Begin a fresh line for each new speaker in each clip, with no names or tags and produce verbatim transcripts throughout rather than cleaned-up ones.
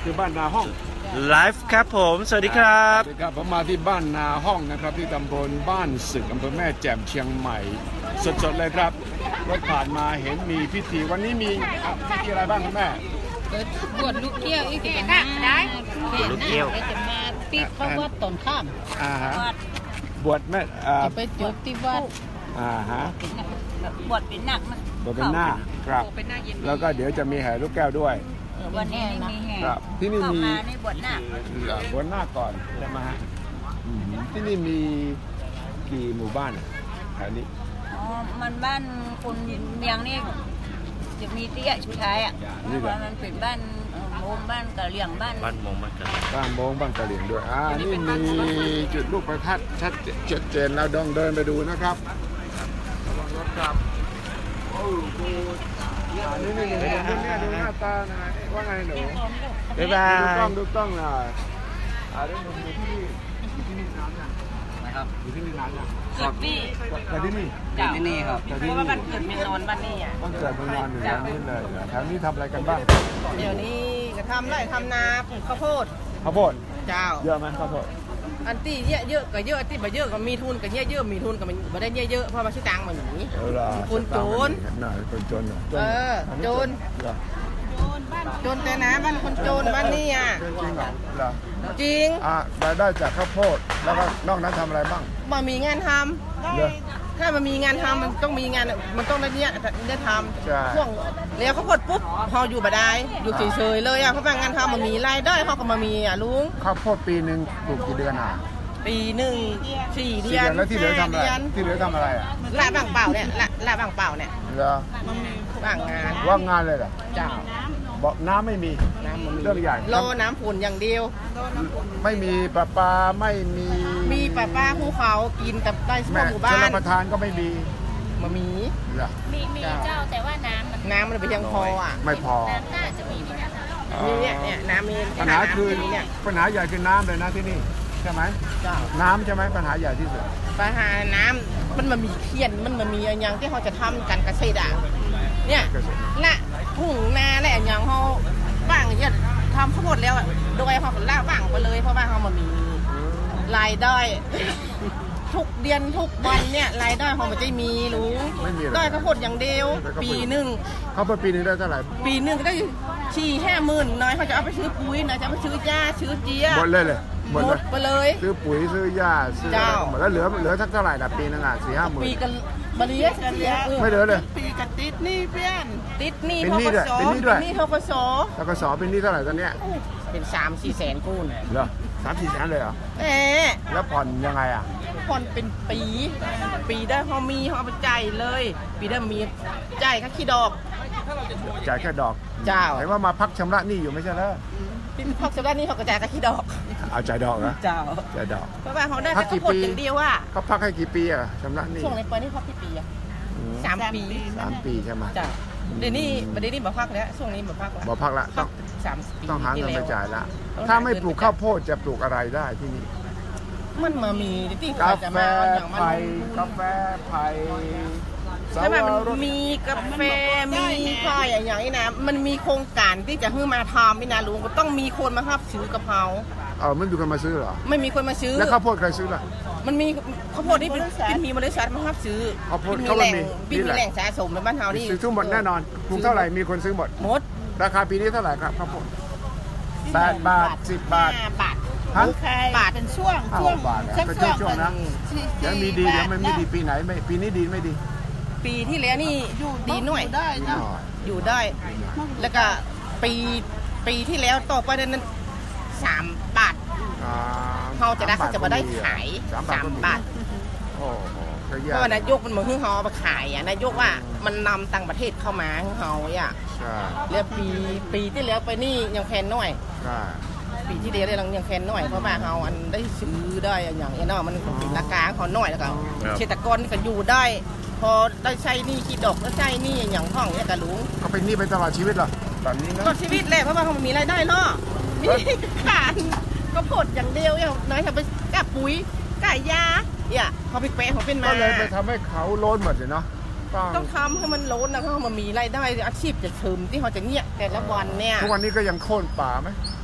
คือบ้านนาห้อง
ไลฟ์ครับผมสวัสดีครับ
สวัสดีครับผมมาที่บ้านนาห้องนะครับที่ตำบลบ้านสึกอำเภอแม่แจ่มเชียงใหม่สดๆเลยครับรถผ่านมาเห็นมีพิธีวันนี้มีพิธีอะไรบ้างคุณแม่
บวชลูกเกี้ยวอีกจะมาได้
ลูกเกี้ยว
จะมาปิดพระวัดตอนข้าม
อ่าฮะบวชแม่
จะไปจบที่วัด
อ่าฮะ
บวชเป็นหนักมัน
บวชเป็นหน้าครับแล้วก็เดี๋ยวจะมีแห่ลูกแก้วด้วย
วันนี้มีแห่
ครับที่นี่มี
บวชหน้า
บวชหน้าก่อนใช่ไหมฮะที่นี่มีกี่หมู่บ้านแถวนี้
อ๋อมันบ้านคนเมียงนี่จะมีเตี้ยชุดท้ายอ่ะเพราะมันเป็นบ้านโมงบ้านกะเหลี่ยงบ้าน
บ้านโมงบ้านกะเหลี่ยง
บ้านโมงบ้านกะเหลี่ยงด้วยอ่านี่มีจุดลูกประทัดชัดเจนเราต้องเดินไปดูนะครับระวังรถครับโอ้โหนี่นี่นี่ดูเนี่ยดูหน้าตานะว่าไงหนู
บ๊ายบาย
ดูกล้องดูกล้องนะอ่าเรื่องดูที่นี่อยู่ที่นี่นานยังนะครับอยู่ที่นี่นานยัง
เกิดที่
เกิดที่นี่
เกิดที่นี่ครับเพราะว่าบ้านเกิดเมืองนอนบ้านนี่อ่ะ
บ้านเกิดเมืองนอนอยู่แล้วนี่เลยแถวนี้ทำอะไรกันบ้าง
เดี๋ยวนี้จะทำไรทำนาปลูกข้าวโพด
ข้าวโพด
เจ้า
เยอะไหมข้าวโพด
อันที่เยอะเยอะก็เยอะที่ไม่เยอะก็มีทุนก็เยอะเยอะมีทุนก็ไม่ได้เยอะเยอะเพราะมันชื่อตังมันอย่างนี้คนโจร
น่ะคนโจร
เออโจรโจรแต่นะบ้านคนโจรบ้านนี่อ่ะ
จริงเหรอ
จริง
อ่ะรายได้จากข้าวโพดแล้วก็นอกนั้นทำอะไรบ้าง
มันมีงานทำถ้ามันมีงานทำมันต้องมีงานมันต้องได้เนี้ยได้ทำช่วงเลี้ยงข้าวโพดปุ๊บพออยู่บ่ได้อยู่เฉยๆเลยอ่ะเพราะว่างานทำมันมีรายได้เขาก็มามีอ่ะลุง
ข้าวโพดปีหนึ่งปลูกกี่เดือนอ่ะ
ปีหนึ่งสี่เดือน
แล้วที่เหลือทำอะไรที่เหลือทำอะไรอ่ะ
ละบางเปล่าเนี่ยละละบางเปล่าเนี่ย
เหรอ
ว่างงาน
ว่างงานเลยเหรอ
เจ้า
บอกน้ำไม่มี
น้ำมัน
เรื่องใหญ่
รอน้ำฝนอย่างเดียว
ไม่มีปลาปลาไม่มี
มีปลาปลาภูเขากินแต่ได้เฉพาะหมู่บ้าน
ชลประทานก็ไม่มี
มามี
มีมีเจ้าแต่ว่าน้ำมัน
น้ำมันไปยังพออ่ะ
ไม่พอ
น้ำน่าจะมี
เนี่ยเนี่ยน้ำมี
ปัญหาคือปัญหาใหญ่คือน้ำเลยนะที่นี่ใช่ไหมน้ำใช่ไหมปัญหาใหญ่ที่สุด
ปัญหาน้ำมันมามีเทียนมันมามีอย่างที่เขาจะทำกันเกษตรอ่ะเนี่ยละทุ่งนาและอย่างเขาว่างเนี่ยทำทั้งหมดแล้วโดยเขาละว่างไปเลยเพราะว่าเขามามีรายได้ทุกเดือนทุกวันเนี่ยรายได้เขาไม่ได้มีรู้ได้ข้าวโพดอย่างเดียวปีหนึ่ง
เขาเปิดปีนึงได้เท่าไหร่
ปีหนึ่งได้สี่ห้าหมื่นน้อยเขาจะเอาไปซื้อปุ๋ยนะจะเอาไปซื้อยาซื้อเจี๊ย
หมดเลยเลย
หมดไปเลย
ซื้อปุ๋ยซื้อยาซื้อหมดแล้วเหลือเหลือสักเท่าไหร่ล่ะปีนึงอ่ะสี่ห้าหมื่น
ปีกันบริษัทกันเลย
ไม่เหลือเลย
ปีกันติดนี่เพื่อนติดนี่
เป็นนี่ด้วยเป็นนี่ด้วย
นี่ทกศ
ทกศเป็นนี่เท่าไหร่ตอนเนี้ย
เป็นสามสี่แสนกู้น
เหรอสามสี่แสนเลยเหรอ
เอ๊ะ
แล้วผ่อนยังไงอ่ะ
ผ่อนเป็นปีปีได้เขามีเขาไปจ่ายเลยปีได้มีจ่ายแค่ขี้ดอก
จ่ายแค่ดอก
เจ้า
เห็นว่ามาพักชำระหนี้อยู่ไม่ใช่เหรอ
พักชำระหนี้เขาก็จ่ายแค่ขี้ดอก
เอาจ่ายดอกเหรอ
เจ้า
จ่ายดอก
เพราะว่าเขาได้แค่ข้าวโพดอย่างเดียวว่า
เขาพักให้กี่ปีอ่ะชำระหนี้
ช่วงในปีนี้พักกี่ปีอ่ะสามปี
สามปีใช่ไหม
จ้าเดี๋ยวนี้ประเดี๋ยวนี้บ่พักแล้วช่วงนี้บ่พักแล้ว
บ่พักละต้อง
สามปี
ต้องหาเงินไปจ่ายละถ้าไม่ปลูกข้าวโพดจะปลูกอะไรได้ที่นี่
มันมามีที่
กาแฟไผ่กาแฟไผ่
ใช่ไหมมันมีกาแฟมีไผ่อย่างนี้นะมันมีโครงการที่จะให้มาทำพี่นาลุงก็ต้องมีคนมาครับซื้อกะเพรา
เออไม่มีคนมาซื้อหรอ
ไม่มีคนมาซื้อ
แล้วข้าวโพดใครซื้อล่ะ
มันมีข้าวโพดที่เป็นมีบริษัทมาครับซื้อ
ข้าวโพดเขามี
มีแหล่งสะสมในบ้านเฮานี่
ซื้อทั้งหมดแน่นอนปลูกเท่าไหร่มีคนซื้อหมด
หมด
ราคาปีนี้เท่าไหร่ครับข้าวโพดแปดบาทสิบบาท
บาท
ฮะ
บาทเป็นช่วง
ช่วงบาทเป็นช่วงช่วงนะเดี๋ยวมีดีเดี๋ยวไม่มีดีปีไหนไม่ปีนี้ดีไม่ดี
ปีที่แล้วนี่ดีหน่อยอยู่ได้แล้วก็ปีปีที่แล้วต่อไปนั้นสามบาทเขาจะได้เขาจะมาได้ขายสามบาทเพราะว่านายกมันมาคือเขามาขายอ่ะนายกว่ามันนำต่างประเทศเข้ามาเขาอ่ะแล้วปีปีที่แล้วไปนี่ยังแพงหน่อยปีที่แล้วยังยังแพงหน่อยเพราะว่าเขาอันได้ซื้อได้อย่างนี้เนาะมันเป็นราคาเขาหน่อยแล้วก็เกษตรกรก็อยู่ได้พอได้ใช้นี่ขี้ดอกก็ใช้นี่อย่างห้องเนี่ยกระลุง
เขาเป็นนี่ไปตลอดชีวิตเหรอตอนนี้นะ
ตลอดชีวิตเลยเพราะว่าเขามีรายได้เนาะมีการก็ผลอย่างเดียวอย่างน้อยจะไปกับปุ๋ยไก่ยาเนี่ยเขาไปแปะเขาเป็นมา
ก็เลยไปทำให้เขาโล้นหมดเลยเนาะ
ต้องทำให้มันโล้นนะเขามามีรายได้อาชีพจะเสริมที่เขาจะเงียบแต่ละวันเนี่ย
ทุกวันนี้ก็ยังโค่นป่าไหม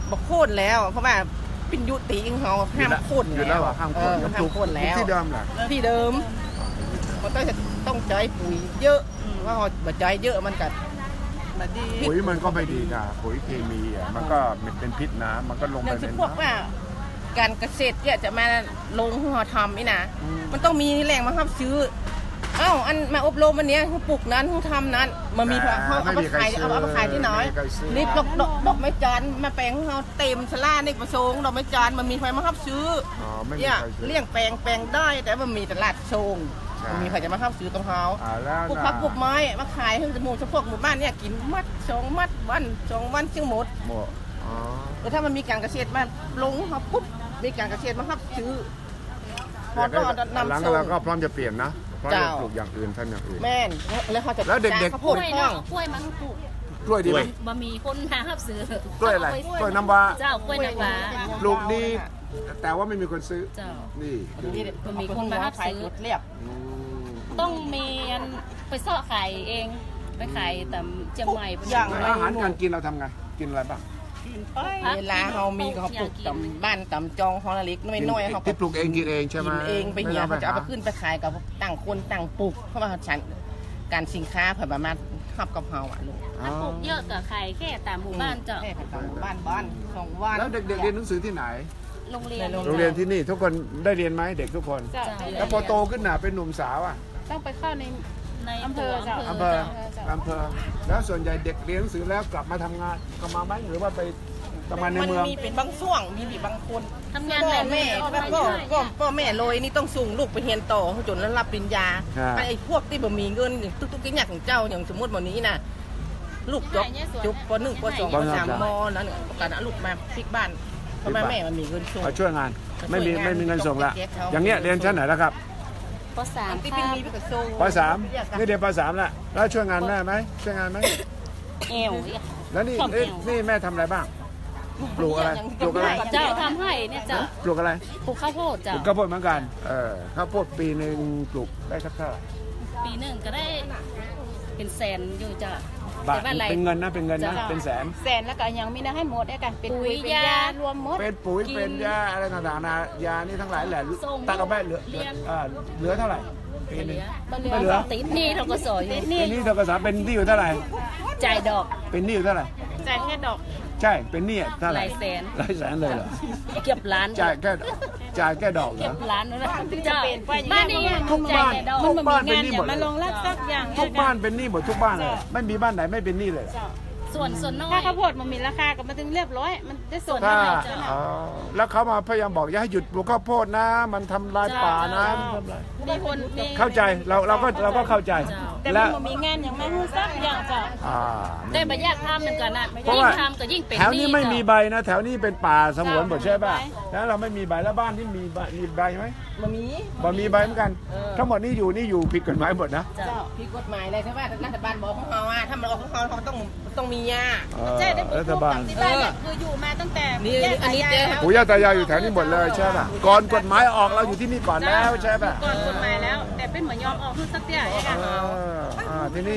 บอกโค่นแล้วเพราะว่าเป็นยุติของเขาห้ามโค่น
หยุดแล้วเหรอห้ามโค่น
เออห้ามโค่นแล้ว
ที่เดิมเหรอ
ที่เดิมมันต้องจะต้องใช้ปุ๋ยเยอะเพราะว่าใช้เยอะมันกัด
ปุ๋ยมันก็ไม่ดีนะปุ๋ยเคมีอ่ะมันก็เป็นพิษนะมันก็ลง
อ
ไป
ย่าง
ใน
ที่พวก
น้ำ
ว่าการเกษตรเนี่ยจะมาลงหัวทำนี่นะมันต้องมีแหล่งมาครับซื้อเอ้าอันมาอบรมวันนี้เขาปลูกนั้นเขาทำนั้นมันมีเขาเอามาขายเอาเอามาขายที่น้อยนี่ดอกดอกดอกไม้จันทร์มาแปลงของเขาเต็มชลาในประสงค์ดอกไม้จันทร์มันมีใครมาครับซื้อ
อ๋อไม่มี
เนี่ย
ใครซื้อ
เลี้ยงแปลงแปลงได้แต่มันมีตลาดชง
ใช่
มันมีใครจะมาครับซื้อตรงเขา
อ่าแล้ว
ปลูก
นะ
ผักปลูกไม้มาขายให้จมูกเฉพาะหมู่บ้านเนี่ยกินมัดสองมัดวันสองวันจึงหมด
หมดอ๋อ
แต่ถ้ามันมีการเกษตรมาลงเขาปุ๊บมีการเกษตรมาครับซื้อพอ
เดี๋ยว
ก็
ก็
นำ
หลัง
ส่ง
เราก็พร้อมจะเปลี่ยนนะพร้อมจะ
เจ้า
ปลูกอย่างอื่นทำอย่างอื่น
แม่นแล้วเขาจะ
แล้วเด็กๆ
จ้างข้าวโพ
ก
ด
ล้วย
ข้อ
เนาะ
ง
กล้วยมันปลูก
กล้วยดีไหม
บะหมี่คนหาครับซื้อก
ล้วยอะไรกล้วยน้ำว้า
เจ้ากล้วยน้ำว้า
ปลูกดีแต่ว่าไม่มีคนซื้อ
เจ้า
นี่คือ
นี่
มันมีคนมารับซื้อ
จุดเรียบ
อืม
ต้องมีอันไปเสาะขายเองไปขายตามเชียงใหม่
อย่าง
แล้วอาหารการกินเราทำไงกินอะไรบ้าง
เวลาเขามีเขาปลูกตำบ้านตำจองฮอลลิกน้อยๆเขาก็
ที่ปลูกเองกินเองใช่ไหม
กินเองไปเหี่ย
ม่
เขา
ต้
จะเอาไป
ห
ขึ้นไปขายกับต่างคนต่างปลูกเพราะว่าฉันการสินค้าเผื่อประมาณขับกับเฮาอ่ะลูก
ถ้าปลูกเยอะกับขายแค่ตามหมู่บ้านเจ้า
แค่ตามหมู่บ้านบ้านสองวัน
แล้วเด็กๆเรียนหนังสือที่ไหน
โรงเรียน
โรงเรียนที่นี่ทุกคนได้เรียนไหมเด็กทุกคน
เจ้า
แล้วพอโตขึ้นหนาเป็นหนุ่มสาวอ่ะ
ต้องไปเข้าใน
ใน
อำเภอเจ้า
อำเภออำเภอแล้วส่วนใหญ่เด็กเรียนหนังสือแล้วกลับมาทำงานก็มาไหมหรือว่าไปทำงานใน
มัน
เมือง
มีเป็นบางช่วงมีบีบางคน
ทำงาน
พ่อ
แม่
แม่
ออก
แล้
มาว
ก็
เรื่อยๆ
ก็พ่อแม่โรยนี่ต้องส่งลูกไปเรียนต่อจนแล้วรับปริญญาไอ้พวกที่บ่มีเงินทุกๆอย่างของเจ้าอย่างสมมติวันนี้น่ะลูกจบจบปหนึ่งปสองปสามมแล้วเนี่ยประกาศลูกมาพลิกบ้านเพราะแม่แม่มันมีเงินส่ง
มาช่วยงานไม่มี
ช่วยงาน
ไม่มีเงินส่งละ
ต้องไปเก็บเขา
อย่างเงี้ยเรียนชั้นไหนแล้วครับ
ปสาม
ที่
ค
เป็น
รับ
มีไปกับส่ง
ปสามนี่เรียนปสามละแล้วช่วยงานแม่ไหมช่วยงานไหม
เอวอีก
แล้วนี่
ชอบ
นี่
เอว
นี่แม่ทำอะไรบ้างปลูกอะไรปลูกอะไร
เจ้าทำให้เนี่ยเจ้า
ปลูกอะไร
ปลูกข้าวโพด
ป
เจ้า
ลูกข้าวโพดเหมือนกันเออข้าวโพดปีหนึ่งปลูกได้สักเท่าไหร่
ปีหนึ่งก็ได้เป็นแสนอยู่เจ้า
บาท
แต่ว่าอะไร
เป็นเงินนะเป็นเงินนะ
จ้ะ
เป็นแสน
แสนแล้วก็ยังมีนะให้หมดได้กันเป็น
ปุ๋
ปุ๋
ย
ยเป็น
ยาย
ารวมหมด
เป็นปุ๋ย
กิน
เป็นยาอะไรต่างๆนะยานี่ทั้งหลายแหละ
ส่ง
ตัดเอาไปเหลือ
เรียน
อ่าเหลือเท่าไหร่ปีหนึง
เหลื
ไม่เหลือ
ติดหนี่เราก็สอยอยู่
ปีนี้ธกสเป็นหนี้อยู่เท่าไหร่
จ่ายดอก
เป็นหนี้อยู่เท่าไหร่
จ่ายแค่ดอก
ใช่เป็นหนี้เท่าไหร่
หลายแสน
หลายแสนเลยเหรอ
เก็บล้าน
จ่ายแค่จ่ายแค่ดอกเหร
เก็
อบ
ล้านนะเจ้าบ้านนี้
ทุกบ้าน
จ่ยแต่ดอก
ทุกบ้านเป็น
งาน
หนี้
อ
หม
ย่า
ด
มาลงรับสักอย่าง
ทุกบ้านเป็นหนี้หมดทุกบ้านเลยไม่มีบ้านไหนไม่เป็นหนี้เลยเหรอ
ส่วนส่วนน้อย
ถ้าข้าวโพดมันมีราคาก็มาถึงเรียบร้อย มันได้ส่วน
ถ้า
เท่าไหร่เจ้า
อ๋อแล้วเขามาพยายามบอกอย่าให้หยุดปลูกข้าวโพดนะ มันทำลายป่านะมันทำลาย
มีคนมี
เข้าใจเราเราก็เราก็เข้าใจ
แต่
และ
มันมีงานอย่างไม่รู้สักอย่างเจ้า
อ่า
ได้บรรยากทำหนึ่งกันนะ
เพราะ
ยิ่ง
ว่า
ทำก็ยิ่งเป็น
แถวนี้ไม่มี
หเจ้า
ใบนะ แถวนี้เป็นป่าสงวนหมดใช่ป่ะแล้วเราไม่มีใบแล้วบ้านที่มีใบมีใบไหม
มันมี
บ่มีใบเหมือนกัน ทั้งหมดนี่อยู่นี่อยู่ผิดกฎหมายหมดนะ
เจ้าพี่กฎหมายเลยใช่ไหมรัฐบาลบอกของเขาอ่ะถ้ามันออกของเขาเขาต้องต้องมีอ่ะ
เออ
ใช่ได้ปลู
รั
ก
ฐบาล
ที่บ้านเนี่ยคืออยู่มาตั้งแต่
นี่
แยก
อันนี้
ตา
เจ๊
ยายแล้ว
ปู่ย่าตายายอยู่แถวนี้หมดเลยใช่ป่ะก่อนกฎหมายออกเราอยู่ที่นี่ก่อนแล้วใช่ป่ะ
ก่อนกฎหมายแล้ว แต่เป็นเหมือนยอมออกคือสักอย่างเนี่ยค่ะ
เอออ่าทีนี้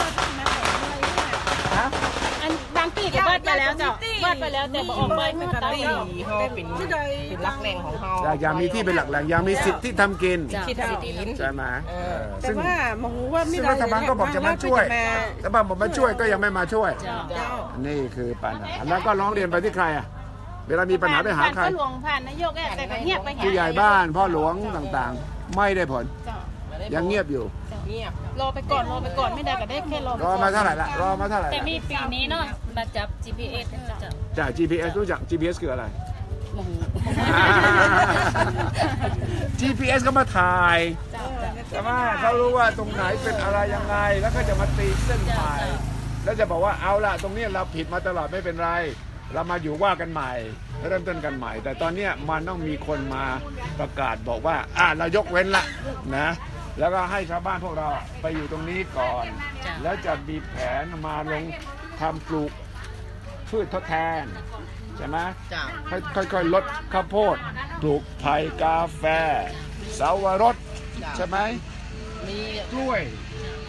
อันบางปีก็วาดไปแล้วเจ้าวาดไปแล้วแต่บอกออกใบ
เป็
ไม่
น
ตัด
ตีเขาเป็นเป็นรักแรงของเขา
อยากอยากมีที่เป็นหลักแหล่งอยากมีสิทธิ์ที่ทำกิน
ที่ทำกิน
ใช่ไหมเออ
แต่
ซึ่ง
ว่าหมอหูว่าไม่
ซึ่ง
ได้
รัฐบาลก็บอกจะมาช่วยรัฐบาลบอกมาช่วยก็ยังไม่มาช่วย
เจ้า
นี่คือปัญหาแล้วก็ร้องเรียนไปที่ใครอ่ะเวลามีปัญหาไปหาใคร
ผ่านพ่อหลวงผ่านนายกอะแต่ก็เงียบไป
ผู้ใหญ่บ้านพ่อหลวงต่างๆ ไม่ได้ผล
เจ้า
ยังเงียบอยู่
เงียบ
รอไปก่อนรอไปก่อนไม่ได้ก็ได้แค่รอไป
รอ
ก่อน
มาเท่าไหร่ละรอมาเท่าไหร่
แต่
ละ
มีปีนี้เนาะมาจับ จี พี เอส เจ้า
จาก จี พี เอส รู้จัก จี พี เอส คืออะไร
โอ้โห
จี พี เอส ก็มาถ่ายแต่ว่าเขารู้ว่าตรงไหนเป็นอะไรยังไง แล้วก็จะมาตีเส้นหมายแล้วจะบอกว่าเอาล่ะตรงนี้เราผิดมาตลอดไม่เป็นไร เรามาอยู่ว่ากันใหม่เริ่มต้นกันใหม่ แต่ตอนนี้มันต้องมีคนมาประกาศบอกว่าอ่ะเรายกเว้นละนะแล้วก็ให้ชาวบ้านพวกเราไปอยู่ตรงนี้ก่อน แล้วจะมีแผนมาลงทำปลูกพืชทดแทนใช่ไหม
จ้า
ค่อยๆลดข้าวโพดปลูกไผ่กาแฟสาวรสใช่ไหม
มี
กล้วย
กล้วย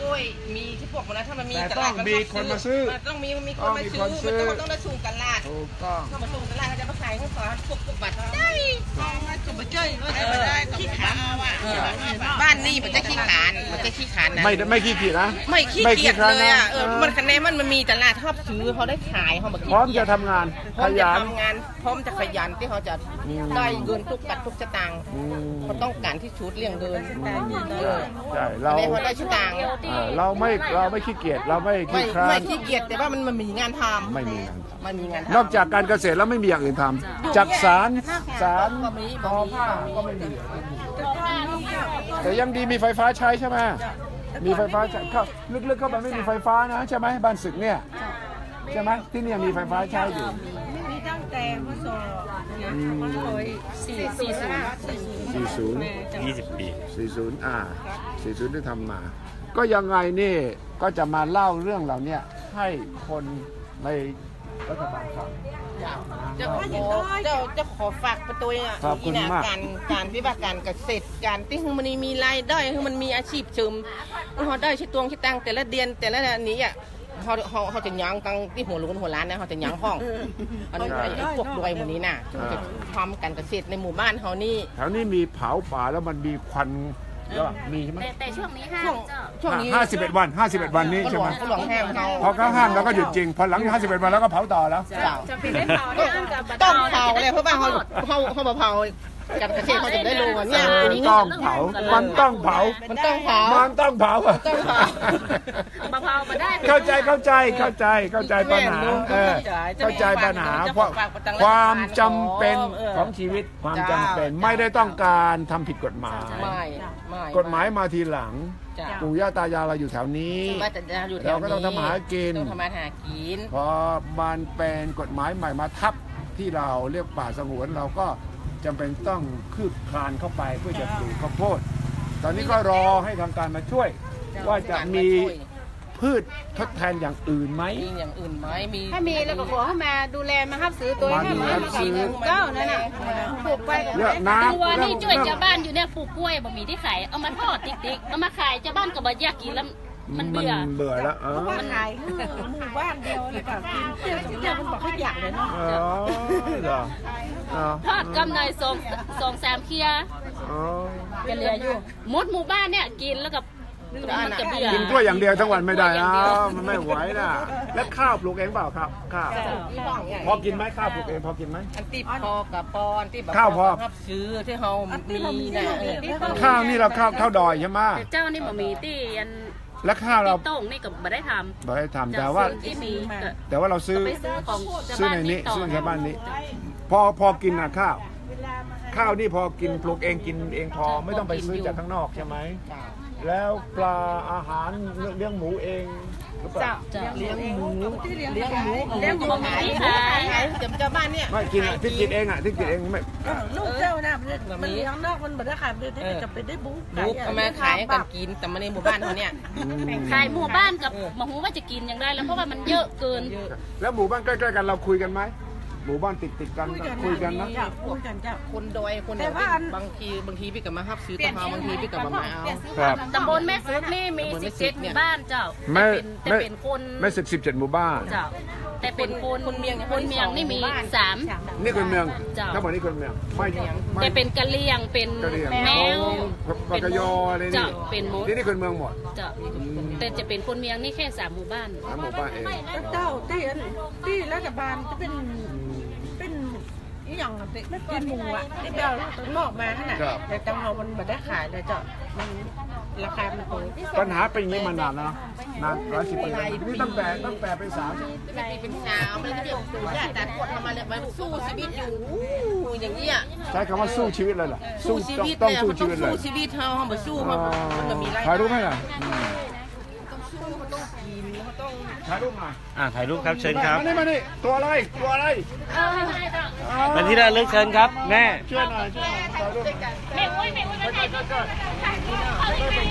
ยมีที่พวกมันนะถ้ามันมี
แต่
ต
ต้
ลา
อ
ด
ง
มัน
มีคนมาซื้อ
มันต้องมีมีคนมาซื้อมันต้องต้องได้สูงตลาด
ถูกต้อง
เขามาส่งตลาดเขาจะมาขายให้ขอพวกพวกบัตรได้ก็มาเจ้ยก็จะได้ขี้ขานบ้านนี่มันจะขี้ขานมันจะขี้ขานนะ
ไม่ไม่ขี้เกียจนะ
ไม่ขี้เกียจเลยอ่ะเออมันคะแนนมันมันมีตลาดชอบซื้อเขาได้ขายเขาแบบ
พร้อมจะทำงาน
พร้
ข
อมจะ
ยัน
ทำงานพร้อมจะขยันที่เขาจะได้เงินทุกบาททุกสตางค์
อืม
เขาต้องการที่ชุดเลี้ยงเดินเออ
ใช่เรา
ไม่เขาได้สตางค์
เออเราไม่เราไม่ขี้เกียจเราไม่
ไม่
ขี้คร้า
ไม่
น
ขี้เกียจแต่ว่ามันมันมีงานทำ
ไม่มีงานท
มันมีงาน
ำ
ทำ
นอกจากการเกษตรแล้วไม่มีอย่างอื่นทำจากสารสาร
ก็มี
ทอผ้าก็ไม่มีแต่ยังดีมีไฟฟ้าใช้ใช่ไหมมีไฟฟ้าใช้เข้าลึกๆเข้าไปไม่มีไฟฟ้านะใช่ไหมบ้านศึกเนี่ยใช่ไหมที่นี่มีไฟฟ้าใช้อยู่
มีตั้งแต่พศเนี่ยพศสี่สี่ศูนย์
สี่ศูนย์
ยี่สิบปี
สี่ศูนย์อ่าสี่ศูนย์ที่ทำมา ก็ยังไงนี่ก็จะมาเล่าเรื่องเหล่านี้ให้คนในรัฐบาลฟัง
จะขอจะจะขอฝากประตูอ่ะ
ขอบคุณ
นี่นะ
มาก
การการวิบากการเกษตรการที่มันมีรายได้คือมันมีอาชีพเสริมเขาได้ชิตวงชิตังแต่ละเดือนแต่ละนี้อ่ะเขาเขาเขาจะยั้งตังที่หัวลุนหัวล้านนะเขาจะยั้งห้องอันนี้ไอ้พวกรวยหมดนี้น่ะจะทำการเกษตรในหมู่บ้านเขานี่
แถวนี้มีเผาป่าแล้วมันมีควันแล้วมีใช่ไหม
แต่แต่ช่วงนี้ห้า
ช่วง
เจ้า
ช่วงนี้
ห้าสิบเอ็ดวันห้าสิบเอ็ดวันนี้
ก็หล
ใช่
ว
ไหม
งก็หลวงแห้งเขา
พอเขาห้ามเราก็หยุดจริงพอหลังห้าสิบเอ็ดวันแล้วก็เผาต่อแล้ว
เจ้า
จะปิดได้เผาได้อันกับบัตร
ต้องเผาเลยเพราะว่าเขาเขาเขามาเผาการเกษตรเขาจะได้รู้ว่าเนี่ย
ต้องเผามันต้องเผา
มันต้องเผา
มันต้องเผา
ต้องเผา
บะเผามาได้
เข้าใจเข้าใจเข้าใจเข้าใจปัญหาเออเข้าใจปัญหาเพราะความจำเป็นของชีวิตความจำเป็นไม่ได้ต้องการทำผิดกฎหมาย
ไม่ไม่
กฎหมายมาทีหลัง
จ้ะ
ปู่ย่าตายายเราอยู่แถวนี้
ว่าแต่จะอยู่แถวนี้
เราก็ต้องทำมาหากิน
ต้องทำมาหากิน
พอมันเป็นกฎหมายใหม่มาทับที่เราเรียกป่าสงวนเราก็จำเป็นต้องคืบคลานเข้าไปเพื่อจะปลูกข้าวโพดตอนนี้ก็รอให้ทางการมาช่วย ว่าจะมีพืชทดแทนอย่างอื่นไหม
มีอย่างอื่นไหมมี
ถ้ามีแล้วก็ขอให้มาดูแลมาฮับซื้อตัว
มา
ให้
ดู
มา
แล
มา
ซื้อ
เก้านั่นน่ะปลูกไป
เยอะน้ำ
ตัวนี่ช่วยชาวบ้านอยู่เนี่ยปลูกกล้วยบะหมี่ที่ขายเอามาทอดติ๊กๆเอามาขายชาวบ้านก็บ่อยากกินแล้วมันเบื่อ
เบื่อแล้วเออ
มันขายหมู่บ้านเดียวเลยกับกินเที่ยวเที่ยวมันบอกให้อยากเลยเนาะ
อ๋อเหรออ๋อ
ทอดกำไรสองสองสามเคีย
อ๋อ
เป็นเหลืออยู่หมดหมู่บ้านเนี่ยกินแล้วกับมันจะเบื่อ
กินกล้วยอย่างเดียวทั้งวันไม่ได้นะมันไม่ไหวนะแล้วข้าวปลูกเองเปล่าครับข้าวพอกินไหมข้าวปลูกเองพอกินไหม
อันที่พอกับปอนที่แบบ
ข้าวพอ
รับซื้อที่เขามีนะเออที่เขา
ข้าวนี่เราข้าวข้าวดอยใช่ไหม
แต่เจ้านี่บะหมี่ที่ยัน
แล้วข้าวเรา
ที่โต้งนี่ก็บ่ได้ทำ
บ่ได้ทำแต่ว่า
ที่มีก็
แต่ว่าเราซื้อ
ไปซื้อของชาว
ซื้อ
บ้าน
ในนี้
ต่อ
ซื้อในชาวบ้านนี้ พอพอกินนะข้าว ข้าวนี่พอกินปลูกเองกินเองพอไม่ต้องไปซื้อจากข้างนอกใช่ไหมแล้วปลาอาหารเลี้ยงหมูเองหรือเปล่า
เจ้า
เลี้ยงหมูเลี้ยงหมู
เลี้ยงหมู
ขาย
ขาย
ขายเดี๋ยวชาวบ้านเนี่ย
ไม่กินอ่ะที่กินเองอ่ะที่กินเองไม่
ลูกเจ้าน่ะมันเลี้ยงนอกมันบ่ได้ขายมันได้จะเป็นได้บุ๊ก
ลูกเอามาขายให้กันกินแต่มาในหมู่บ้านเขาเนี่ย
ขายหมู่บ้านกับมาหูว่าจะกินอย่างไรแล้วเพราะว่ามันเยอะเกิน
แล้วหมู่บ้านใกล้ๆกันเราคุยกันไหมหมู่บ้านติดติดๆกันคุยกันนะ
คุยกันจ้ะ
คนดอยคน
แต่
เนี่ย
ว่าอัน
บางทีบางทีพี่กับมาฮับซื้อตะพาบางทีพี่กับมามาเอา
ครับ
ตำบลแม่สุดนี่มีสิบเจ็ดหมู่บ้านเจ้า
ไม่
แต่เป็นแต่
ไม่
เป็นคน
ไม่สิบสิบเจ็ดหมู่บ้าน
เจ้าแต่เป็นคน
คนเมียง
คนเมียงนี่มีสาม
นี่คนเมือง
เจ้า
ทั้งหมดนี่คนเมืองไม่ไม่
แต่เป็นกะเหรี่ยงเป็น
กะเหรี่ยง
แมว
ปากกยออะไรนี่
เจ้าเป็นมด
นี่นี่คนเมืองหมด
เจ้าแต่จะเป็นคนเมียงนี่แค่สามหมู่บ้าน
สามหมู่บ้านเอง
เจ้าที่ที่รัฐบาลจะเป็นเป็นอีหยังอ่ะติกินหมูอ่ะที่เจ้าต้องนอกมาขนาดแต่จังเรามันบ่ได้ขายเลยเจ้ามันราคามันโต
ปัญหาเป็นอย่างนี้มานานแล้วนานร้อยสิบปีแล้วนี่ตั้งแต่ตั้งแต่เป็นสาว
เป็นสาวมันก็เดี๋ยวตัวญาติแต่ปวดทำมาเลยมันสู้ชีวิตอยู่อย่างนี้อ่ะ
ใช้คำว่าสู้ชีวิตเลยเหรอ
สู้ชีวิต
ต้อง
เลย
สู้
มัน
ชี
ต้อง
วิตเลย
สู้ชีวิตเขาเขาบอกสู้เขามันจะมีราย
ถ่ายรูปให้หน่อย
ต้องสู้เขาต้องกินเขาต้อง
ถ่ายรูปหน่อย
อ่าถ่ายรูปครับเชิญครับ
มานี่มานี่ตัวอะไรตัวอะไร
เป็นที่ระลึกเชิญครับแม่
ช่วยหน่อยช่วยหน่อยถ่ายรูปหน่อย
แม่อุ้ยแม่อุ้ยมาถ่ายรูปถ่ายรูปเอาเลยไห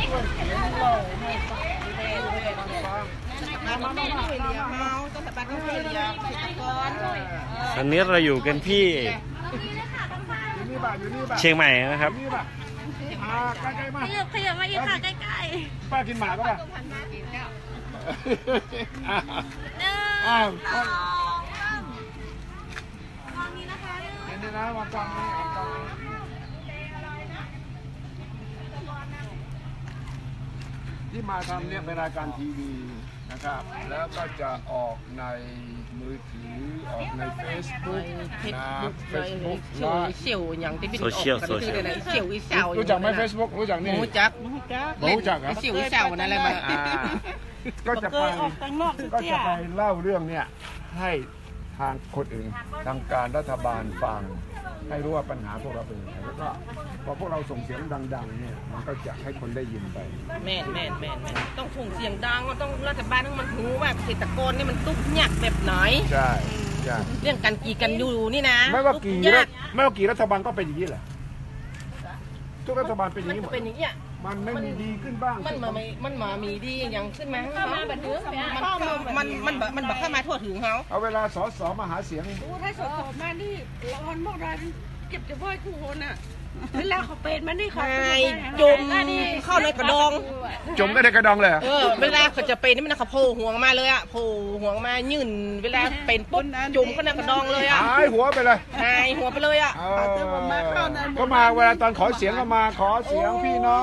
ม
มามาช่วยเหลือเขาต้องสบายต้องช่วยเหลือเกษตรกร
ตอนนี้เราอยู่กันที่
อยู่นี่บ้านอยู่นี่บ้าน
เชียงใหม่นะครับ
นี่บ้านอ่าใกล้ๆมา
ขยับมาอีกค่ะใกล้
ป้ากินหมากก็ป่ะ
ก
อ้าวอ้าวนี่นะวางกล้องนี้วางกล้องนี้ที่มาทำเนี่ยเป็นรายการทีวีนะครับแล้วก็จะออกในมือถือออกใน Facebook นะ Facebook
เสี่ยวเสี่ยวอย่างที่เป็นออกกันที่ไหนเสี่ยวอีเสี่ยว
รู้จักไหม Facebook รู้จักนี่
รู้จัก
รู้จักครับ
เสี่ยวอีเสี่ยวนั่นแหละมา
ก็จะไปก็จะไปเล่าเรื่องเนี่ยให้ทางคนอื่นทางการรัฐบาลฟังให้รู้ว่าปัญหาพวกเราเป็นยังไงแล้วก็พอพวกเราส่งเสียงดังๆเนี่ยมันก็จะให้คนได้ยินไป
แม่นแม่นแม่นต้องส่งเสียงดังต้องรัฐบาลต้องมันรู้ว่าเกษตรกรนี่มันตุ๊กยากแบบไหน
ใช่ใช่
เรื่องการกีกันอยู่นี่นะ
ไม่ว่ากี่ไม่ว่ากี่รัฐบาลก็เป็นอย่างนี้แหละทุกรัฐบาลเป็นอย่างนี้หมด
เป็นอย่างนี้
มันไม่มีดีขึ้นบ้าง
มันมามันมามีดีอย่างขึ้นมาเข้ามาแบบนี้มันมันมันมันแบบเข้ามาทั่วถึงเขา
เอาเวลาสสมาหาเสียง
ถ้าสสมานี่ร้อนมากเลยเก็บจะไหว้คู่คนอ่ะเวลาเขาเป็นมันนี่เขา
จมเข้าในกระดอง
จมก็ในกระดองเลย
เออเวลาเขาจะเป็นนี่มันเขาโผล่หัวมาเลยอ่ะโผล่หัวมายื่นเวลาเป็นปุ๊บจุ่มก็ในกระดองเลยอ่ะ
หายหัวไปเลย
หายหัวไปเลยอ่ะ
ก็มาเวลาตอนขอเสียงก็มาขอเสียงพี่น้อง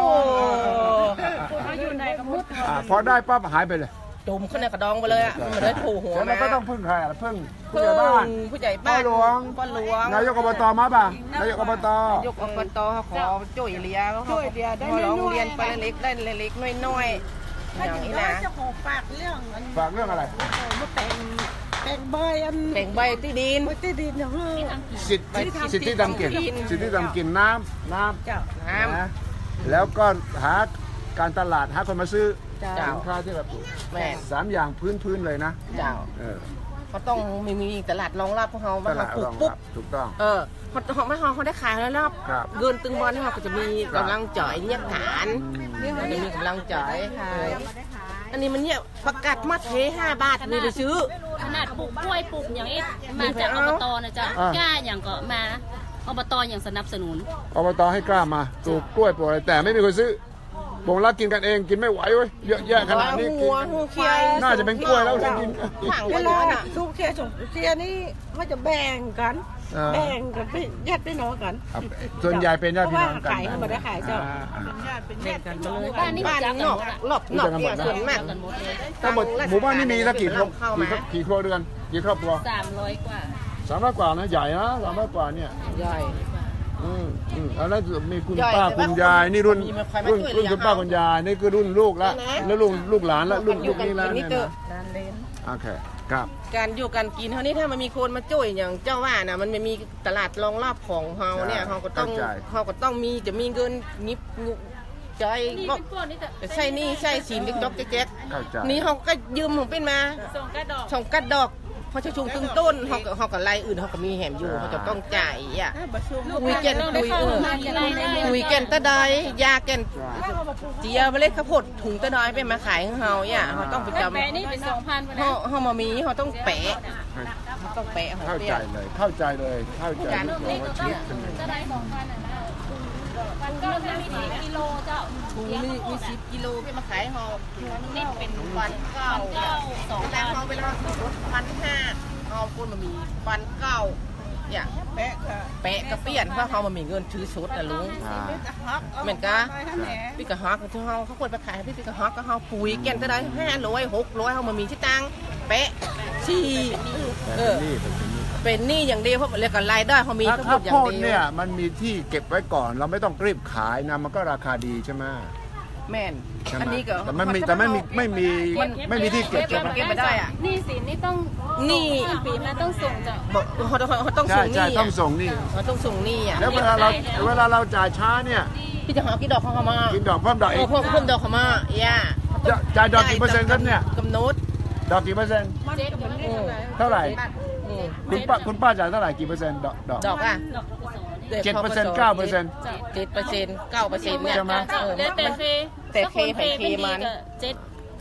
พอได้ปั๊บหายไปเลย
จุ่มขึ้นในกระดองไปเลยอ่ะมันเลยโผล่หัวมา
ก็ต้องพึ่งใครอ่ะพึ่งผู้ใหญ่บ้าน
ผู้ใหญ่บ้าน
พ่อหลวง
พ่อหลวง
นายกอบตมาป่ะนายกอบต
นายกอบตขอช่วยเหลือช่วยเหลือได้ร้องเรียนไปเล็กได้เล็กน้อยๆอย่างนี้นะ
จะขอฝากเรื่อง
ฝากเรื่องอะไร
มาแต่งแต่งใบอัน
แต่งใบที่ดิน
ที่ดินอย่างเงี้ย
สิทธิสิทธิดำกินสิทธิดำกินน้ำน้
ำน้
ำนะแล้วก็หาการตลาดหาคนมาซื้อสินค้าที่เราปลูกสามอย่างพื้นๆเลยนะ
เจ้าเขาต้องมีมีตลาดรองรับพวกเขามาปลูกปุ๊บ
ถูกต้อง
เออพอเขาไม่เขาเขาได้ขายแล้วรอบเงินตึงบอลเขาก็จะมีกำลังจ่ายเนี่ยฐานจะมีกำลังจ่ายอันนี้มันเนี่ยประกาศมาเทห้าบาทมีไปซื้อ
ขนาดปลูกกล้วยปลูกอย่างนี้มาจากอบตนะจ๊ะกล้าอย่างก็มาอบตอย่างสนับสนุน
อบตให้กล้ามาปลูกกล้วยปลูกอะไรแต่ไม่มีคนซื้อบ่งรักกินกันเองกินไม่ไหวเว้ยเยอะแยะขนาดนี้น่าจะเป็นกล้วยแล้วกิน
เวลาทุกเทียส่งเทียนี่เขาจะแบ่งกันแบ่งกันเป็นญาติพี่น้องกัน
ส่วนใหญ่เป็นญาติพี่น้องกัน
ขายเขาไม่ได้ขายเจ้า
เป็นญาติเป็นญาติกันเลยบ้านนี้บ้านนอกหลบหลบเนี่ยส่วนมาก
ทั้งหมดหมู่บ้านนี้มีสักกี่ครอบกี่ครัวเรือนกี่ครอบครัว
สามร้อยกว่า
สามร้อยกว่านะใหญ่นะสามร้อยกว่าเนี่ย
ใหญ่
อืมอืมแล้วมีคุณป้าคุณยายนี่รุ่นรุ่นรุ่นคุณป้าคุณยายนี่คือรุ่นลูกแล้วแล้วลูกลูกหลานแล้วรุ่นลูกนี่แล้วเนี่ยนะโอเคครับ
การอยู่การกินเท่านี้ถ้ามันมีคนมาช่วยอย่างเจ้าว่านะมันไม่มีตลาดรองรับของเฮาเนี่ยเฮาก็ต้องเฮาก็ต้องมีจะมีเงินนิบใจก็ใช่นี่ใช่สินเล็กจ๊อกแจ๊กนี่เฮาก็ยืมของเป็นมาส่งกระดอกส่งกระดอกพอจะชุมตึงต้นเขาก็เขาก็ไล่อื่นเขาก็มีแหมอยู่เขาจะต้องจ่ายอ่ะคุยกันคุยเออคุยกันตะไดยากันเจียเมล็ดข้าวโพดถุงตะไดไปมาขายของเขาอ่ะเขาต้องไปจำ
แปะนี่เป็นสองพัน
เขาเขามามีเขาต้องแปะเขาต้องแปะ
เข้าใจเลยเข้าใจเลยเข้าใจเลยชีวิตเป็น
ตะไดสองพันอ่ะนะมันก็มีสิบกิโลเจ้า
มีมีสิบกิโลพี่มาขายเขานิดเป็นวันเก้าสองแต่เขาเวลาลดพันห้าเอาคนมามีวันเก้าอย่างแปะแปะกระเปี้ยนเพราะเขามามีเงินถือชุดนะลุงเหมือนกันพี่กระฮอกที่เขาเขาควรไปขายพี่พี่กระฮอกก็เขาปุ๋ยแกนจะได้ห้าร้อยหกร้อยเขามามีที่ตังแปะสี่เออเป็นหนี้อย่างเดียวเพราะเรียกกันรายได้เขามี
ทั้งหมดอย่างเดียวเนี่ยมันมีที่เก็บไว้ก่อนเราไม่ต้องรีบขายนะมันก็ราคาดีใช่ไหม
แม่นอันนี้ก็
แต่ไม่มีแต่ไม่มีไม่มีไม่มีที่เก็บ
เก็บไม่ได้อ่ะ
นี่สินี่ต้อง
นี่
ปีนะต้องส่งจ้ะ
เขาเขาต้องส่งนี่
ต้องส่งนี่
เขาต้องส่งนี่อ่ะ
แล้วเวลาเราเวลาเราจ่ายช้าเนี่ย
พี่จะหากี่ดอกเขามา
กินดอกเพิ่มดอกเอง
เพิ่มเพิ่มดอกเขามาย่า
จ่ายดอกกี่เปอร์เซ็นต์ครับเนี่ย
กำหนด
ดอกกี่เปอร์เซ็นต์เท่าไหร่คุณป้าคุณป้าจ่ายเท่าไหร่กี่เปอร์เซ็นต์ดอก
ดอกอ่ะ
เจ็ดเปอร์เซ็นต์เก้าเปอร์เซ็นต์
เจ็ดเปอร์เซ็นต์เก้าเปอร์เซ็นต์เนี่ย
แต่เค
แต่เคแผ่นเคมัน
เจ็ด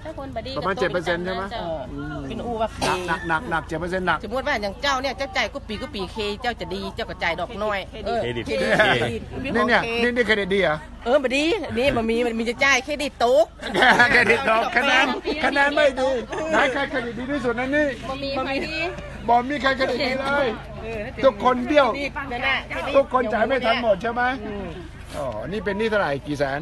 ถ้าคนบดี
ประมาณเจ็ดเปอร์เซ็นต์ใช่ไหม
เออเป็นอูว่าเค
หนักหนักหนักเจ็ดเปอร์เซ็นต์หนัก
สมมติว่าอย่างเจ้าเนี่ยเจ้าจ่ายกุปีกุปีเคเจ้าจะดีเจ้าก็จ่ายดอกน้อยเออ
เครดิต
เครดิต
นี่เนี่ยนี่นี่เครดิตดีเหรอ
เออบดีนี่มันมีมันมีจะจ่ายเครดิตตุ๊ก
เครดิตดอกคะแนนคะแนนไม่ดีไหนใครเครดิตดีที่สุดนั่นนี่
บ่มีใครดี
บอกมีใครเครดิตดีเลยทุกคนเบี้ยว
นั่นน่ะ
ทุกคนจ่ายไม่ทันหมดใช่ไหมอ๋อนี่เป็นหนี้เท่าไหร่กี่แสน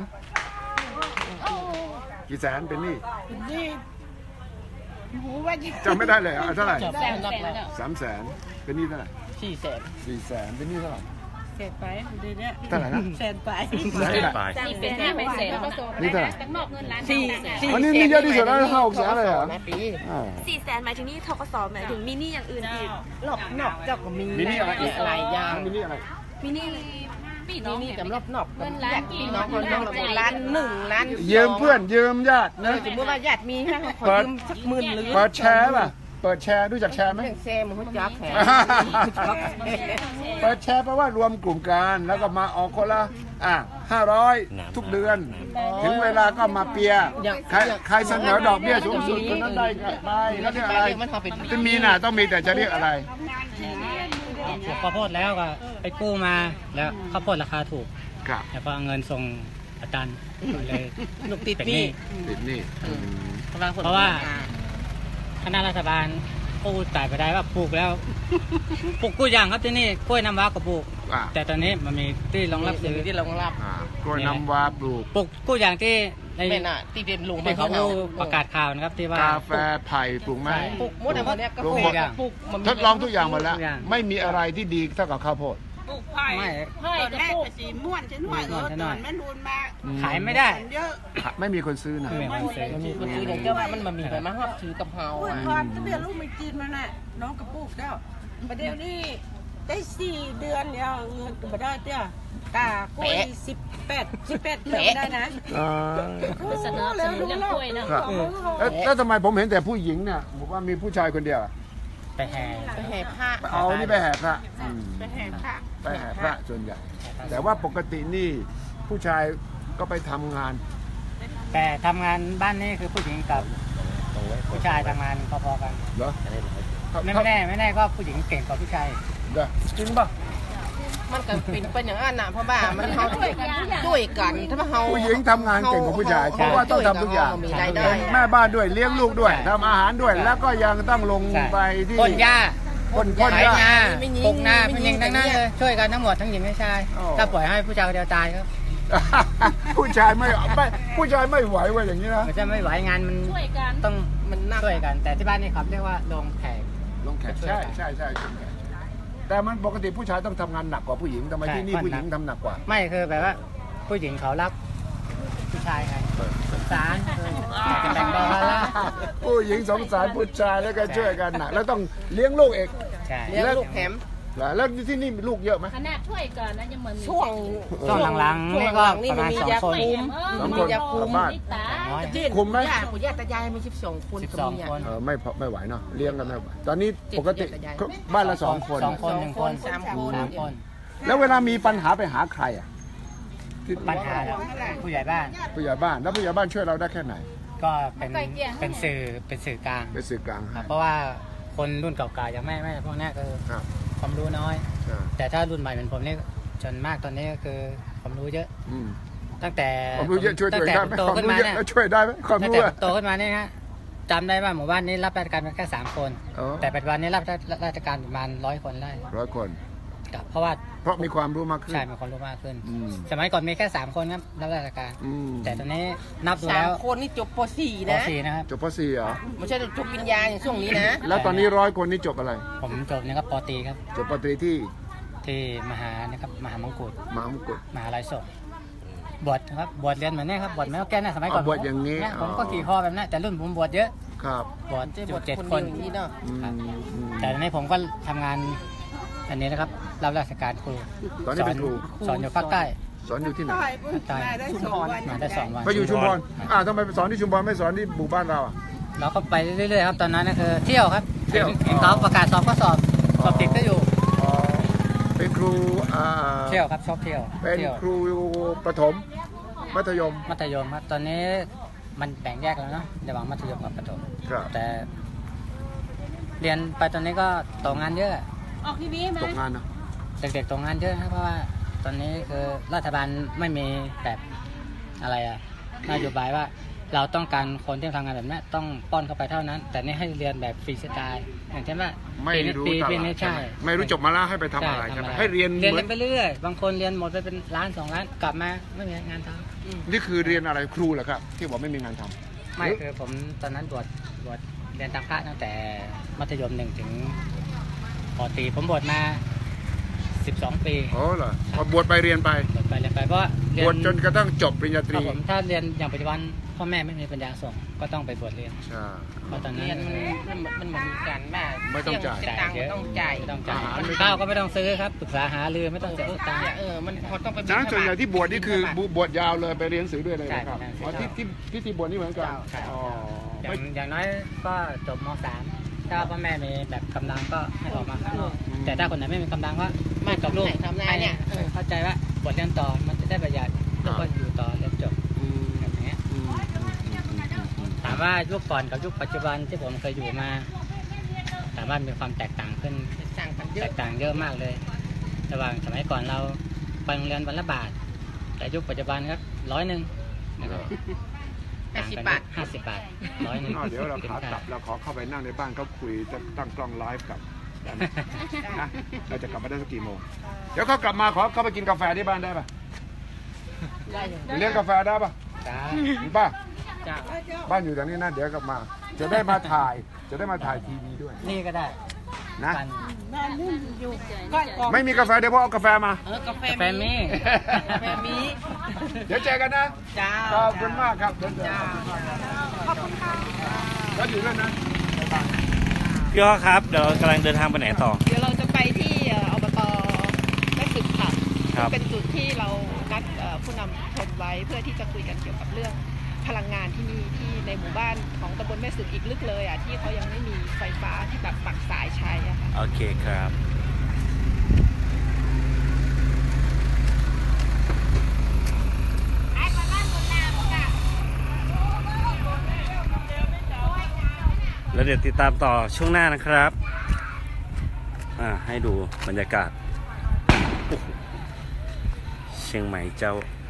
กี่แสนเป็นหนี้
นี่หูว่าจะ
จำไม่ได้เลยอ่ะเท่าไหร่
แสนนับแล้ว
สามแสนเป็นหนี้เท่าไหร่
สี่แสน
สี่แสนเป็นหนี้เท่าไหร่
เสร็จไปเดี๋ยวนี้
เท่าไหร่นะ
แสนไป
แสน
เจ็ด
แปด
ปลาย
นี่เป็นห้าเป็นแสน
นี่เท่าไหร่
ตั้งนอกเงินล้าน
สี่สี่
อันนี้นี่เยอะที่สุดแล้วห้าหกแสนเลยเหรอ
นะปี
อ่า
สี่แสนหมายถึงนี่ทกสหมายถึงมินี่อย่างอื่นอีก
รอบนอกเจ้าก็มี
มินิอะไร
หลายอย่าง
มินิอะไร
มินี่
พี่น้
นี่
อง
นี่
เนี่ย
กับรอบนอก
เงินล้านกี่
พี่น้องคนน้องล้านหนึ่งล้าน
ยืมเพื่อนยืมญาติ
เอ
นะ
อสมมติว่าญาติมีให้ขอยืมสักหมื่นหรือ
เปิดแชร์ป่ะเปิดแชร์รู้จักแชร์ไหม
เรื่องแซมมันจักแขน
เปิดแชร์แปลว่ารวมกลุ่มกันแล้วก็มาออกคนละอ่ะห้าร้อยทุกเดือน ถึงเวลาก็มาเปียร์ใครใครเสนอดอกเบี้ยสูงสุดคนนั้นได้ไปแล้วเรียกอะไรจะมีน่ะต้องมีแต่จะเรียกอะไร
ปลูกข้าวโพดแล้วก็ไปกู้มาแล้วข้าวโพดราคาถูก
ครับ
แล้วก็เอาเงินส่งอาจารย์เลย
ลูกติด
เป็น
ห
ห
นี่
นี้
ติดหนี่
เพราะว่า คณะรัฐบาลกู้จ่ายไปได้ว่าปลูกแล้วปลูกกู้อย่างครับที่นี่กล้วยน้ำว้าก็ปลูก
อ่า
แต่ตอนนี้มันมีที่รองรับซื้อ
ที่รองรับ
อ่ากล้วยน้ำว้าปลูก
ปลูกกู้อย่างที่ใน
เป็นอ่ะที่เป็นลุง
ที่เขาประกาศข่าวนะครับที่ว่าก
าแฟไผ่ปลูกไหม
ปลูกมดอะไรเนี่ยก็ปลูกปลูกมัน
ทดลองทุกอย่างหมดแล้ว ไม่มีอะไรที่ดีเท่ากับข้าวโพด
ปลูกไผ่
ไม่
เฮ้ย
ตอน
จะ
แรก
ปลูก
ก็สีม่วนฉันหน่อยเออตอนแม่นูนมา
ขายไม่ได้
เยอะ
ไม่มีคนซื้อนะ
ไม่มีคนซื้อ
มันมีคนซื้ออย่างเจ้าว่ามันมามีไปมาฮอบถือกับเฮา
ปลูก
อ่ะ
พร้อมตั้งแต่ลูกไม่จีนมาน่ะน้องก็ปลูกแล้วประเดี๋ยวนี้ได้สี่เดือนแล้วเงินก็มาได้เตี้ยกากล้วยสิบแปดสิบแปดเดือนได้นะ
อ่า
เสนอเสนอเรื่องกล้วยเนาะ
ครับแล้วแล้วทำไมผมเห็นแต่ผู้หญิงเนี่ยบอกว่ามีผู้ชายคนเดียวอะ
ไปแห่
ไปแห่ผ้า
เอานี่ไปแห่พระอืม
ไปแห่พระ
ไปแห่พระส่วนใหญ่ แต่ว่าปกตินี่ผู้ชายก็ไปทำงาน
แต่ทำงานบ้านนี้คือผู้หญิงกับผู้ชายทำงานพอๆกัน
เหรอ
ไม่แน่ไม่แน่ก็ผู้หญิงเก่งกว่าผู้ชาย
เด้อจริงป่ะ
มันก็เป็นเป็นอย่างนั้นน่ะเพราะว่ามันเฮาช่วยกันช่วยกันถ้าว่าเฮา
ผู้หญิงทำงานเก่งกว่าผู้ชาย เพราะว่าต้องทำทุกอย่าง
มีรายได้
เป็นแม่บ้านด้วยเลี้ยงลูกด้วยทำอาหารด้วย แล้วก็ยังต้องลงไปที่
พ่นหญ้า
พ่นพ่น
ไถ
หญ้า
นาปลูกนาเป็นหญิงทั้งนั้นเลยช่วยกันทั้งหมดทั้งหญิงทั้งชาย
อ๋อ
ถ้าปล่อยให้ผู้ชายคนเดียวตายครับ
ผู้ชายไม่ไม่ผู้ชายไม่ไหวว่าอย่างนี้นะ
มันจะไม่ไหวงานมัน
ช่วยกัน
ต้อง
มันหนัก
ช่วยกัน แต่ที่บ้านนี่ครับเรียกว่าลงแขก
ลงแขกใช่ใช่ใช่ใช่แต่มันปกติผู้ชายต้องทำงานหนักกว่าผู้หญิงทำไมที่นี่ผู้หญิงทำหนักกว่า
ไม่คือแบบว่าผู้หญิงเขารับผู้ชายไงสงสารอยากจะแบ่งเบาภาระ
ผู้หญิงสงสารผู้ชายแล้วก็ช่วยกันหนักแล้วต้องเลี้ยงลูกเอง
ใช่
เลี้ยงลูกแถม
แล้วที่นี่มีลูกเยอะไหม
ขนาดช่วยกันนะยังเหมือน
ช่วง
ช่วงหลังๆ
ช่ว
นี่
ง
ก็
หลังๆนี่
ประ
มัน
มาณ
มี
สอง
ยา
คน
คุม
สอง
มี
คน
ยาคุ
กลั
ม
บบ้าน
ตา
น้อย
จิ้น
คุมไหม
ย่าปู่ย่าตายายมีสิบสองคน
สิบ
ก็
สอง
มี
คน
เออไม่พอไม่ไหวเนาะเลี้ยงกันไม่ไหวตอนนี้
เจ็ด
ปกติ
เจ็ดยาย
บ้านละสองคน
สองคนหนึ่งคน
สามคน
สามคน
แล้วเวลามีปัญหาไปหาใครอ่ะที่
ปัญหาแล้วผู้ใหญ่บ้าน
ผู้ใหญ่บ้านแล้วผู้ใหญ่บ้านช่วยเราได้แค่ไหน
ก็เป็นเป็นสื่อเป็นสื่อกลาง
เป็นสื่อกลาง
ค
ให้
รับเพราะว่าคนรุ่นเก่าๆอย่างแม่แม่พวกนี้คือ
ครับ
ความรู้น้อย
ใช่
แต่ถ้ารุ่นใหม่เหมือนผมนี่จนมากตอนนี้ก็คือความรู้เยอะ
อืม
ตั้งแต่
ความรู้เยอะช่วย
ตั้
ช่วย
งแต่
ได้ไหม
โต
ความ
ขึ้น
รู้
มา
เยอะ
เนี่ย
แล้วช่วยได้ไหมความ
ตั้ง
รู้
แต่
อะ
โตขึ้นมาเนี่ยฮะจำได้ว่าหมู่บ้านนี้รับราชการเป็นแค่สามคน
อ๋อ
แต่ปัจจุบันนี้รับราชการประมาณร้อยคนได้
ร้อยคน
ครับเพราะว่า
เพราะมีความรู้มากขึ้น
ใช่มีคนรู้มากขึ้น
อืม
สมัยก่อนมีแค่สามคนครับรับราชการ
อืม
แต่ตอนนี้นับดู
สา
แล้
ม
ว
คนนี่จบป .สี่
ป
นะ
สี่นะครับ
จบป .สี่ เหรอ
ไม่ใช่จบปริญญาอย่างช่วงนี้นะ
แล้วตอนนี้ร้อยคนนี่จบอะไร
ผมจบนี่ครับปตรีครับ
จบปตรีที่
ที่มหานะครับมหามงกุฎ
มหามงกุฎ
มหาลัยสงฆ์บวชครับบวชเรียนเหมือนนี้ครับบวชไม่เอาแก้นะสมัยก่อน
อ๋อบวชอย่างนี้
นี้ผม
อ๋อ
ก็ขี่คอแบบนั้นแต่รุ่นผมบวชเยอะ
ครับ
บวช
จะ
อบ
ว
ยู่
ช
เจ็ด
คน
ค
เดียวน อย่างนี้เนาะ
อืมอืม
แต่ตอนนี้ผมก็ทำงานอันนี้นะครับรับราชการครู
ตอนนี้เป็นครู
สอนอยู่ภาคใต้
สอนอยู่ที่ไหน
ต่อยปุ๊บมาได้สองวัน
มาได้สองวัน
ไปอยู่ชุมพรอ่าทำไมไปสอนที่ชุมพรไม่สอนที่หมู่บ้านเราอ่ะ
เราก็ไปเรื่อยๆครับตอนนั้นก็คือเที่ยวครับ
เที่ยว
เห็นเขาประกาศสอบก็สอบสอบติดก็อยู่
อ๋อเป็นครูอ่า
เที่ยวครับชอบเที่ยว
เป็น
เที่ยว
ครูประถมมัธยม
มัธยมครับตอนนี้มันแบ่งแยกแล้วเนาะระหว่างมัธยมกับประถม
ครับ
แต่เรียนไปตอนนี้ก็ตกงานเยอะ
ออกทีวีไหม
ตกงานเนาะ
เด็กๆตกงานเยอะนะเพราะว่าตอนนี้คือรัฐบาลไม่มีแบบอะไรอะนโยบายว่าเราต้องการคนที่ทำงานแบบนี้ต้องป้อนเข้าไปเท่านั้น แต่นี่ให้เรียนแบบฟรีสไตล์อย่างเช่นว่า
ไม่รู้
ปี
ต
ปี
ลา
นี้
ดใช่
ใช่
ไหมไม่รู้จบมาแล้วให้ไปทำอะไรใช่ไหมให้เรียน
เรียน
เหมื
กั
อน
นไปเรื่อยบางคนเรียนหมดไปเป็นล้านสองล้านกลับมาไม่มีงานทำ
นี่คือเรียนอะไรครูเหรอครับ ที่บอกไม่มีงานทำ
ไม่คือผมตอนนั้นบวชบวชเรียนตามพระตั้งแต่มัธยมหนึ่งถึงปอตรีผมบวชมาสิบสองปี
โอ้เหรอพอบวชไปเรียนไป
บวชไปเรียนไปเพราะว่าเรี
บ
ย
วชจนกระทั่งจบปริญญาต
ค
รี
รับผมถ้าเรียนอย่างปัจจุบันพ่อแม่ไม่มีปัญญาส่งก็ต้องไปบวชเรียน
ใช่
เพราะตอนนั้น
เรียนมันมันมันเหมือนกันแม่
ไม่ต้องจ่าย
เสีตังค์ไม่ต้องจ่าย
ไม่ต้องจ่าย
อาหารไม่ต้อง
ข้าวก็ไม่ต้องซื้อครับปรึกษาหารือไม่ต้องเสียตังค์
เออมันพอต้องไป
ฉะนั้นส่วนใหญ่ที่บวชนี่คือบวชยาวเลยไปเรียนหนังสือด้วยเลยนะครับ
ใช่ใช่
อ๋อที่ที่ที่ที่บวชนี่เหมือนกัน
ใช่
อ๋อ
อย่า
ไม่
งอย่างน้อยก็จบม สามถ้าพ่อแม่มีแบบกำลังก็ให้ออกมาข้างนอกแต่ถ้าคนไหนไม่มีกำลังก็ไม่กับลูก
ทำงานเนี่ย
ให้เข้าใจว่าบทเรียนต่อมันจะได้ประหยัดแล้วก็อยู่ต่อเรียนจบ
อืม
แบบนี้
อืมอืมอืมอืมอืม
ถามว่ายุคก่อนกับยุคปัจจุบันที่ผมเคยอยู่มาถามว่ามีความแตกต่างขึ้น
สั่งกันเย
แต
อะ
กต่างเยอะมากเลย ระหว่างสมัยก่อนเราไปโรงเรียนวันละบาท แต่ยุคปัจจุบันครับร้อยหนึ่งนะครับ
ห้าสิบบาท
ห้าสิบบาทร้อยหนึ่ง
อ้าวเดี๋ยวเราขากลับเราขอเข้าไปนั่งในบ้านเขาคุยจะตั้งกล้องไลฟ์กับได้ไหมนะเราจะกลับมาได้สักกี่โมงเดี๋ยวเขากลับมาขอเข้าไปกินกาแฟที่บ้านได้ปะ
ได้อยู่
ไปเลี้ยงกาแฟได้ปะ
จ้า
มีป่ะ
จ้า
บ้านอยู่แถวนี้นะเดี๋ยวกลับมา จะได้มาถ่าย จะได้มาถ่ายทีวีด้วย
นี่ก็ได้
นะ
กัน
ก้อนกอง
ไม่มีกาแฟเดี๋ยวพ่อเอากาแฟมา
เออกาแฟ
กาแฟมี
กาแฟมี
เดี๋ยวเจอกันนะ
จ้า
ขอบคุณมากครับเดินเดิน
จ้า
แล้วอยู่ด้วยนะ
พี่อ้อครับเดี๋ยวเรากำลังเดินทางไปไหนต่อ
เดี๋ยวเราจะไปที่เอ่ออบตแม่สึกค่ะ
ครับ
เป็นจุดที่เรานัดเอ่อผู้นำชนไว้เพื่อที่จะคุยกันเกี่ยวกับเรื่องพลังงานที่นี่ที่ในหมู่บ้านของตำบลแม่สึกอีกลึกเลยอ่ะที่เขายังไม่มีไฟฟ้าที่แบบปักสายใช้อะค่ะ
โอเคครับ แล้วเดี๋ยวติดตามต่อช่วงหน้านะครับ อ่า ให้ดูบรรยากาศโอ้โหเชียงใหม่เจ้า